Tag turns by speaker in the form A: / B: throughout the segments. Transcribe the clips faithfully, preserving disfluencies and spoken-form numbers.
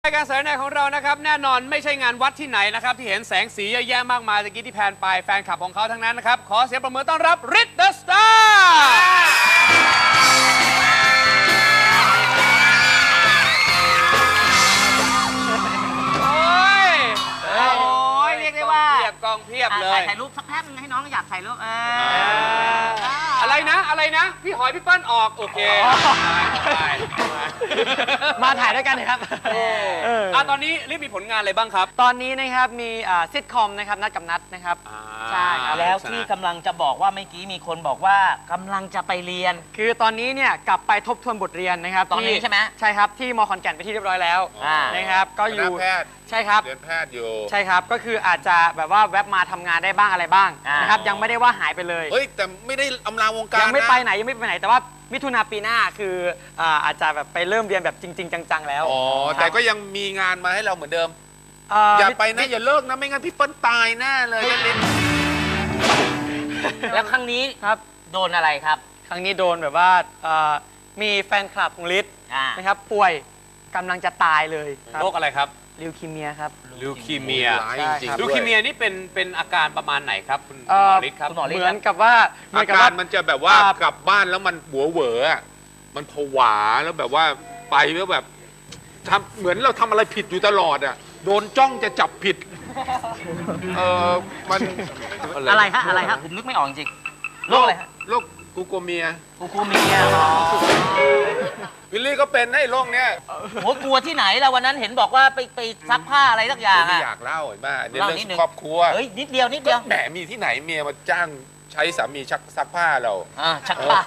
A: รายการสายในของเรานะครับแน่นอนไม่ใช่งานวัดที่ไหนนะครับที่เห็นแสงสีเยอะแยะมากมายตะกี้ที่แพนไปแฟนคลับของเขาทั้งนั้นนะครับขอเสียงประมือต้อนรับฤทธิ์เดอะสตาร์โอ้ยโอ้ยเรียกได้ว่าเพียบกองเพียบเลย
B: ถ่ายรูปสักแป๊บนึงให้น้องอยากถ่ายรูปเออ
A: อะไรนะอะไรนะพี่หอยพี่เปิ้ลออกโอเค
C: มาถ่ายด้วยกันนะครับ
A: อ่ะตอนนี้รีบมีผลงานอะไรบ้างครับ
C: ตอนนี้นะครับมีซิทคอมนะครับนัดกับนัดนะครับ
B: ใช่ครับแล้วที่กำลังจะบอกว่าเมื่อกี้มีคนบอกว่ากำลังจะไปเรียน
C: คือตอนนี้เนี่ยกลับไปทบทวนบทเรียนนะครับ
B: ตอนนี้ใช่ไหม
C: ใช่ครับที่มอขอนแก่นไปที่เรียบร้อยแล้วนะครับก็อยู่
D: แพทย์
C: ใช่ครับ
D: เรียนแพทย์อยู่
C: ใช่ครับก็คืออาจจะแบบว่าแวบมาทำงานได้บ้างอะไรบ้างนะครับยังไม่ได้ว่าหายไปเลย
D: เฮ้ยแต่ไม่ได้อำลาวงการ
C: ยังไม่ไปไหนยังไม่ไปไหนแต่ว่ามิถุนาปีหน้าคืออาจจะแบบไปเริ่มเรียนแบบจริงๆจังๆแล้ว
D: อ๋อแต่ก็ยังมีงานมาให้เราเหมือนเดิมอย่าไปนะอย่าเลิกนะไม่งั้นพี่เปิ้ลตายแน่เลยเล่น
B: แล้วครั้งนี้
C: ครับ
B: โดนอะไรครับ
C: ครั้งนี้โดนแบบว่ามีแฟนคลับของฤทธิ์นะครับป่วยกำลังจะตายเลย
A: โรคอะไรครับ
C: ลิวคีเมียครับ
A: ลิวคีเมียลิวคีเมียนี่เป็นเป็นอาการประมาณไหนครับคุณหมอฤทธิ์ครับ
C: เหมือนกับว่า
D: อาการมันจะแบบว่ากลับบ้านแล้วมันหัวเหวอมันผวาแล้วแบบว่าไปแล้วแบบทำเหมือนเราทำอะไรผิดอยู่ตลอดอ่ะโดนจ้องจะจับผิดเออมัน
B: อะไรฮะอะไรฮะผมนึกไม่ออกจริงโรคอะไรฮะ
D: โรคกูโกเมีย
B: กูโกเมีย
D: วิลลี่ก็เป็นไอ้โรคเนี้ย
B: โหกลัวที่ไหนล่ะวันนั้นเห็นบอกว่าไปไปซักผ้าอะไรสักอย่าง
D: อ่ะไม่อยากเล่าเห็นไหมเรื่องครอบครัว
B: เฮ้ยนิดเดียวนิดเดียว
D: แหมมีที่ไหนเมียมาจ้างใช้สามีชักซักผ้าเรา
B: อ่าชักผ้า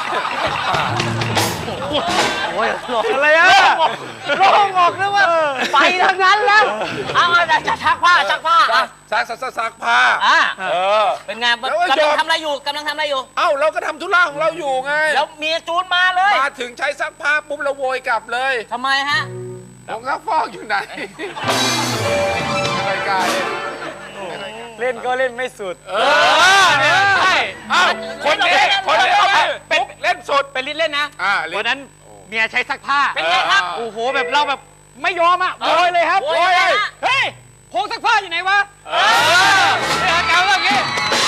C: โอ้ยหลอกอะไรอ่ะโล่งออกนะว่าไปทั้งนั้นแล้ว
B: เอาจะชักผ้าชักผ้า
D: ซักซักซักผ้า
B: อ่าเออเป็นไงกำลังทำอะไรอยู่กำลังทำอะไรอยู่
D: เอ้าเราก็ทำธุระของเราอยู่ไง
B: แล้วเมียจูนมาเลย
D: มาถึงใช้ซักผ้าปุ๊บเราโวยกลับเลย
B: ทำไมฮะ
D: ผงซักฟอกอยู่ไหนรายการ
C: เล่นก็เล่นไม่สุด
A: เออเนี่ยใช่
D: คนนี้คนนี้เป็นเล่นสุด
C: เป็นลิ้นเล่นนะวันนั้นเมียใช้ซักผ้า
B: เป็นไงครับ
C: โอ้โหแบบเราแบบไม่ยอมอ่ะโวยเลยครับ
B: โวยเลย
C: เฮ้ยโพงซักผ้าอยู่ไหนวะเออเนี่ยเก่าแบบนี้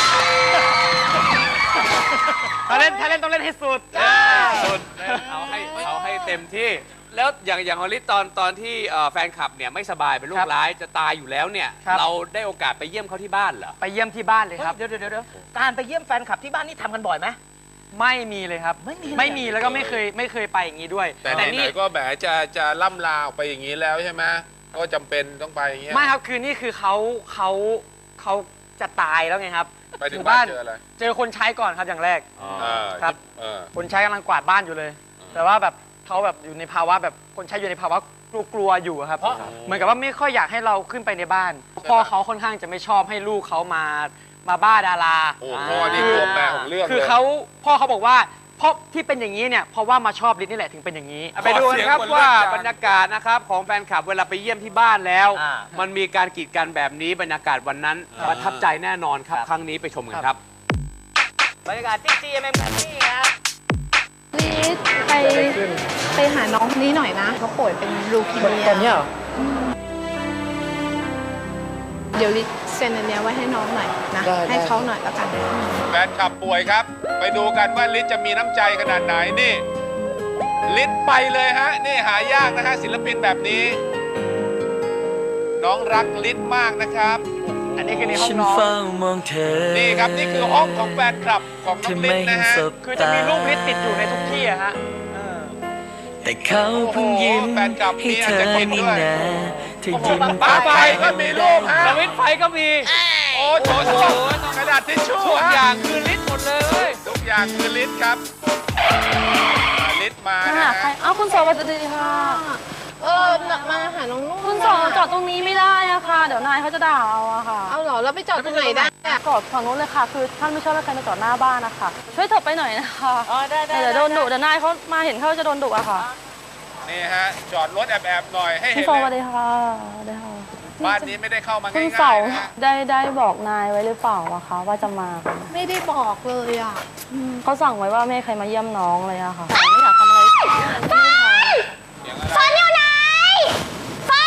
C: ถ้าเล่นถ้าเล่นต้องเล่นให้สุด
A: สุดเอาให้เอาให้เต็มที่แล้วอย่างอย่างฮอลลี่ตอนตอนที่แฟนคลับเนี่ยไม่สบายเป็นโรคร้ายจะตายอยู่แล้วเนี่ยเราได้โอกาสไปเยี่ยมเขาที่บ้านเหรอ
C: ไปเยี่ยมที่บ้านเลยครับ
B: เดี๋ยวเดี๋ยวเดี๋ยวการไปเยี่ยมแฟนคลับที่บ้านนี่ทำกันบ่อยไหม
C: ไม่มีเลยครับไม่มีไม่มีแล้วก็ไม่เคยไม่เคยไปอย่างนี้ด้วย
D: แต่ไหนๆก็แบบจะจะล่ำลาออกไปอย่างนี้แล้วใช่ไหมก็จำเป็นต้องไปอย่างเงี้ย
C: ไม่ครับคือนี่คือเขาเขาเขาจะตายแล้วไงครับ
D: ไปถึงบ้านเจออะไร
C: เจอคนใช้ก่อนครับอย่างแรกครับคนใช้กำลังกวาดบ้านอยู่เลยแต่ว่าแบบเขาแบบอยู่ในภาวะแบบคนใช้อยู่ในภาวะกลัวๆอยู่ครับเหมือนกับว่าไม่ค่อยอยากให้เราขึ้นไปในบ้านพ่อเขาค่อนข้างจะไม่ชอบให้ลูกเขามามาบ้าดารา
D: โอ้พ่อนี่ตัวแปรของเรื่อง
C: คือเขาพ่อเขาบอกว่าเพราะที่เป็นอย่างนี้เนี่ยเพราะว่ามาชอบฤทธิ์นี่แหละถึงเป็นอย่างนี้
A: ไปดูกันครับว่าบรรยากาศนะครับของแฟนคลับเวลาไปเยี่ยมที่บ้านแล้วมันมีการกีดกันแบบนี้บรรยากาศวันนั้นประทับใจแน่นอนครับครั้งนี้ไปชมกันครับ
B: บรรยากาศที่ จี เอ็ม เอ็ม แบบนี้ครับ
E: ฤทธิ์ไปไปหาน้องคนนี้หน่อยนะเขาป่วยเป็นลูคีเมีย
C: ตอนนี้เหรอ
E: เดี๋ยวฤทธิ์เซ็นอันนี้ไว้ให้น้องหน่อยนะให้เขาหน่อยแล้วกัน
D: แฟนคลับป่วยครับไปดูกันว่าฤทธิ์จะมีน้ำใจขนาดไหนนี่ฤทธิ์ไปเลยฮะนี่หายากนะฮะศิลปินแบบนี้น้องรักฤทธิ์มากนะครับ
C: อันนี้คือในห้องน้อง
D: นี่ครับนี่คือห้องของแฟนคลับของน้องฤทธิ์นะฮะ
C: คือจะมีรูปฤทธิ์ติดอยู่ในทุกที่อะฮะ
F: แต่เขาเพิ่งยิ้มให้เธอนี่นะเธอยิ้ม
D: ตาไปก็มีรูปฮะ
A: สวิตไฟก็มี
D: โอ้โหกระดาษทิชชู่
A: ทุกอย่างคือฤทธิ์หมดเลย
D: ทุกอย่างคือฤทธิ์ครับฤทธิ์มานะฮะ
G: อ้าวคุณสวัสดีค่ะ
E: เออมาหาน้องนุ่น
G: คุณสองจอดตรงนี้ไม่ได้อะค่ะเดี๋ยวนายเขาจะด่าเอาอะค่ะ
E: เอาเหรอแล้วไปจอดตรงไหนได้
G: จอดฝั่งนู้นเลยค่ะคือท่านไม่ชอบให้ใครมาจอดหน้าบ้านนะคะช่วยเถอะไปหน่อยนะคะ
B: อ๋อได้ได้
G: เดี๋ยวโดนดุเดี๋ยวนายเขามาเห็นเขาจะโดนดุอะค่ะ
D: นี่ฮะจอดรถแอบๆหน่อยให้เห็นเลย
G: คุณสวัสดีค่ะได้ค่ะ
D: บ้านนี้ไม่ได้เข้ามาง่ายๆ
G: คุณสองได้ได้บอกนายไว้หรือเปล่าอะคะว่าจะมา
E: ไม่ได้บอกเลยอะ
G: เขาสั่งไว้ว่าไม่ให้ใครมาเยี่ยมน้องเลยอะค่ะไม่อยากทำอะไร
E: ฟ้าอยู่ไหนฟ้า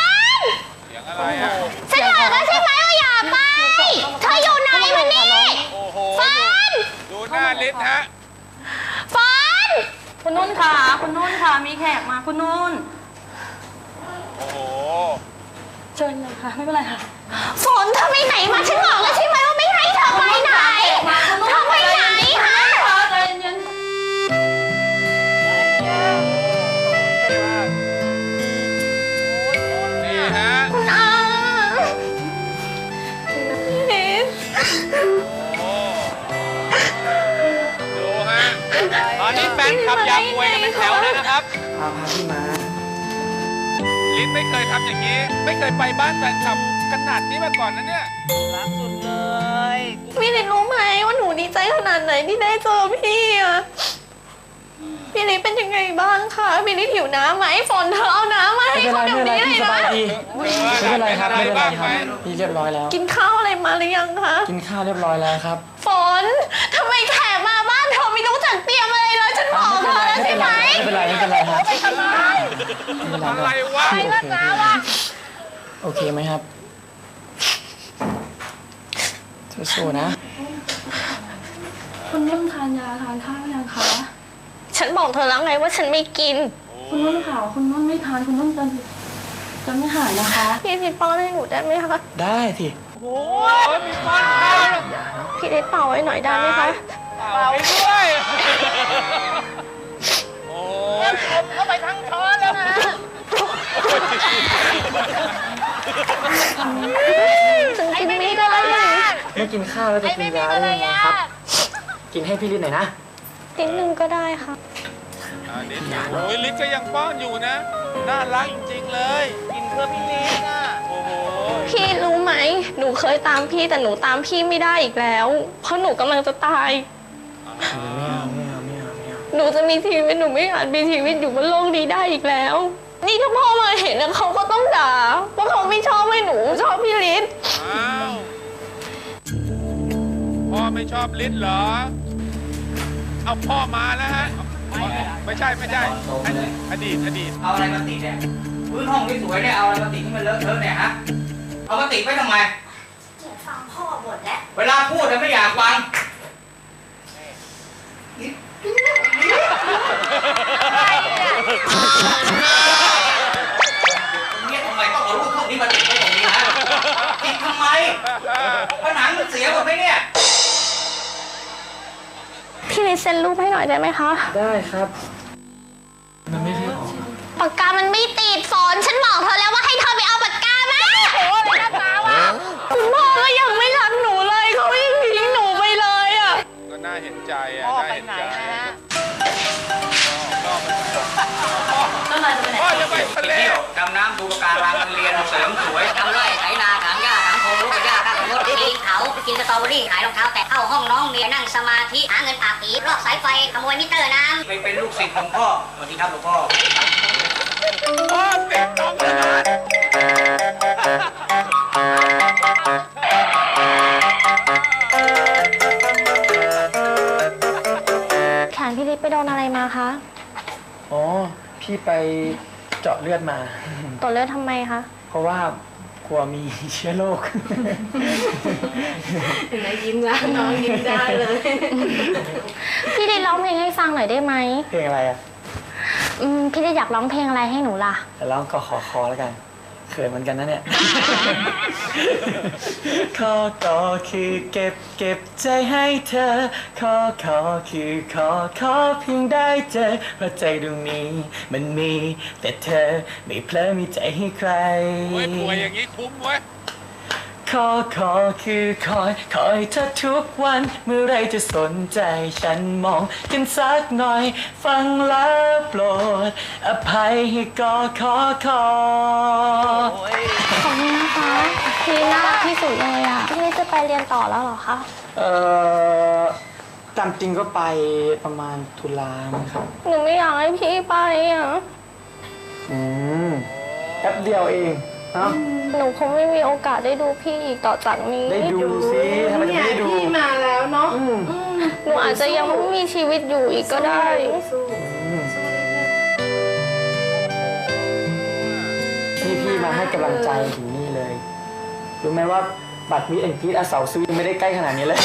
G: คุณนุ่น
D: โอ้โห
G: เชิญเลยค่ะ ไม่เป็นไรค่ะ
E: ฝนเธอไปไหนมาฉันบอกแล้วใช่ไหมว่าไม่ให้เธอไปไหนเธอไปไหนฮะ
G: ใจเย็น
D: นี่ฮะ
E: อ่านิด
D: โอ้ดูฮะ
A: ตอนนี้แฟนคลับอยากมวยกันเป็นแถวเลยนะครับ
C: พาพาพี่มา
D: ลิ้นไม่เคยทำอย่างนี้ ไม่เคยไปบ้านแฟนคลับขนาดนี้มาก่อนนะเนี่ย
B: รักสุดเลย
E: พี่นิดรู้ไหมว่าหนูดีใจขนาดไหนที่ได้เจอพี่อะพี่นิดเป็นยังไงบ้างคะพี่นิดหิวน้ำไหมฝนเธอเอาน้ำมาให้เขาเดี๋ยวนี้เลยนะ
C: ไม่เป็นไรครับไม่เป็นไรครับ
D: ไหม
C: พี่เรียบร้อยแล้ว
E: กินข้าวอะไรมาหรือยังคะ
C: กินข้าวเรียบร้อยแล้วครับ
E: ฝนทำไมแขกมาบ้านเธอไม่รู้จักเตรียมอะไรเลยฉันบอกเธอแล้วใช่ไหม
C: ไม่เป็นไรไม่เป็นไรครับ
E: ไปทำไม
C: ไม่เป็นไร
D: อะไรวะ
C: พี่โอเคโอเคไหมครับสู้ๆนะ
G: ๆคุณนุ่นทานยาทานข้าวยังคะ
E: ฉันบอกเธอแล้วไงว่าฉันไม่กิน
G: คุณนุ่นค่ะคุณนุ่นไม่ทานคุณนุ่นจะจะไม่หายนะคะ
E: พี่นิดป้อนให้หนูได้ไหมคะ
C: ได้สิ
A: โอ้ยมีป้อนข้าวแล้ว
E: พี่นิดเป่าให้หน่อยได้ไหมคะ
A: เป่าไปด้วย
D: โอ้ย
E: เข้าไปทั้งช้อนแล้วนะฉันกินไม่ได้
C: ไม่กินข้าวแล้วจะกินยาได้ยังไงครับ กินให้พี่ลิศหน่อยนะ
E: นิดนึงก็ได้ค่ะ
D: อันนี้โอ้ยลิ้นก็ยังป้อนอยู่นะ น่ารักจริงๆเลย
B: กินเพื่อพี่ลิศอ่ะ
D: โอ้โห
E: พี่รู้ไหม หนูเคยตามพี่แต่หนูตามพี่ไม่ได้อีกแล้ว เพราะหนูกำลังจะตาย
C: ไม่เอาไม่เอาไม่เอาไม่เอา
E: หนูจะมีชีวิตหนูไม่อาจมีชีวิตอยู่บนโลกนี้ได้อีกแล้ว นี่ถ้าพ่อมาเห็นนะเขาก็ต้องด่าว่าเขาไม่ชอบให้หนูชอบพี่ลิศ
D: อ้าว พ่อไม่ชอบลิ้นเหรอ เอาพ่อมาแล้วฮะ ไม่ใช่ไม่ใช่ อดีตอดีต
B: เอาอะไรมาติดเนี่ยพื้นห้องที่สวยเนี่ยเอาอะไรมาติดที่มันเลอะเทอะเนี่ยฮะ เอามาติดไว้ทำไม
E: ฟังพ่อบ่นแล้ว
B: เวลาพูดเนี่ยไม่อยากฟังเนี่ยทำไมต้องเอารูปพวกนี้มาติดไว้ตรงนี้ฮะติดทำไมผนังมันเสียหมดไหมเนี่ย
E: พี่ลิศเซ็นรูปให้หน่อยได้ไหมคะ
C: ได้ครับ มันไม่เคยออก
E: ปากกามันไม่ติดฝนฉันบอกเธอแล้วว่าให้เธอไปเอาปากกามาโอ้โหเลยนะตาวะคุณพ่อก็ยังไม่รักหนูเลยเขายังทิ้งหนูไปเลยอ่ะ
D: ก็น่าเห็นใจอ่ะ
B: พ่อ
D: น่า
B: ไป
D: เห็น
B: ไหน
D: ใจ
B: นะฮะ
G: ต้นไม้จะไปไหน
D: พ่อจะไปทะ
B: ไป
D: เล
B: เที่ยวดำน้ำดูปะการังเรียนเสริมสวย
H: ทำไร่ไถนาถางหญ้าถางโคนลูกกับหญ้าข้างรถปีนเขากินสตรอเบอรี่ขายรองเท้าแตะเข้าห้องน้องเมียนั่งสมาธิหาเงินปากผีลอกสายไฟขโมยมิเตอร์น้ำ
B: ไปเป็นลูกศิษย์หลวงพ่อสวัสดีครับหลวงพ่อ
D: พ่อเด็กน้องเลย
E: แขนพี่ลิศไปโดนอะไรมาคะ
C: อ๋อ พี่ไปเจาะเลือดมา
E: ตรวจเลือดทำไมคะ
C: เพราะว่ากลัวมีเชื้อโรค
E: เห็นไหมยิ้มแล้วน้องยิ้มได้เลย พี่ลิศร้องเพลงให้ฟังหน่อยได้ไหม
C: เพลงอะไรอ่ะ
E: อืมพี่ลิศอยากร้องเพลงอะไรให้หนูล่ะ
C: แต่ร้องก็ขอคอแล้วกัน เขินเหมือนกันนะเนี่ย ขอก็คือเก็บเก็บใจให้เธอ ขอขอคือขอขอเพียงได้เจอ เพราะใจดวงนี้มันมี แต่เธอไม่เพลอมีใจให้ใคร
D: โอ้ยป่วยอย่างนี้คุ้มเว้ย
C: ขอขอคือคอยคอยเธอทุกวัน เมื่อไรจะสนใจฉันมองกันสักหน่อย ฟังแล้วโปรด อภัยให้ก็ขอขอ
E: ขอบคุณนะคะพี่น่ารักที่สุดเลยอ่ะ พี่ลิศจะไปเรียนต่อแล้วเหรอคะ
C: เอ่อตามจริงก็ไปประมาณตุลามั้งครับ
E: หนูไม่อยากให้พี่ไปอ่ะ
C: อืมแป๊บเดียวเองเนาะ
E: หนูคงไม่มีโอกาสได้ดูพี่อีกต่อจากนี้
C: ได้ดูสิทำไมจะไม่ได้ดู
E: พี่มาแล้วเนาะหนูอาจจะยังไม่มีชีวิตอยู่อีกก็ได้
C: อืมนี่พี่มาให้กำลังใจถึงนี่เลย รู้ไหมว่าบัตรมิตรแอนด์กรีดอาเสาซื้อยังไม่ได้ใกล้ขนาดนี้เลย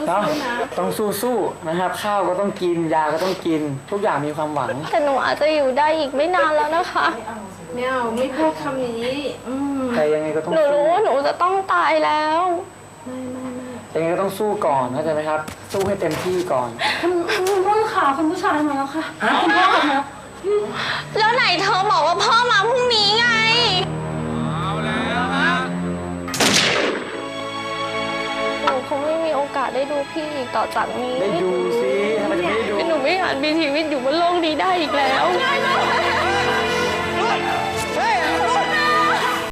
C: เนาะต้องสู้ๆนะครับ ข้าวก็ต้องกินยาก็ต้องกิน ทุกอย่างมีความหวัง
E: แต่หนูอาจจะอยู่ได้อีกไม่นานแล้วนะคะ
I: ไม่เอาไม่พูดคำนี้อืม
C: แต่ยังไงก็ต้อง
E: หนู
C: สู้
E: รู้ว่าหนูจะต้องตายแล้ว
C: ยังไงก็ต้องสู้ก่อนเข้าใจไหมครับ สู้ให้เต็มที่ก่อน
G: คุณคุณพ่อขาคุณผู้ชายมาแล้วค่ะคุณพ่อคะ
E: แล้วไหนเธอบอกว่าพ่อมาพรุ่งนี้ไง
A: เอาแล้วฮะ
E: หนูคงไม่มีโอกาสได้ดูพี่อีกต่อจากนี้
C: ได้ดูสิทำไมจะไม่ได้ดู
E: หนูไม่อาจมีชีวิตอยู่บนโลกนี้ได้อีกแล้ว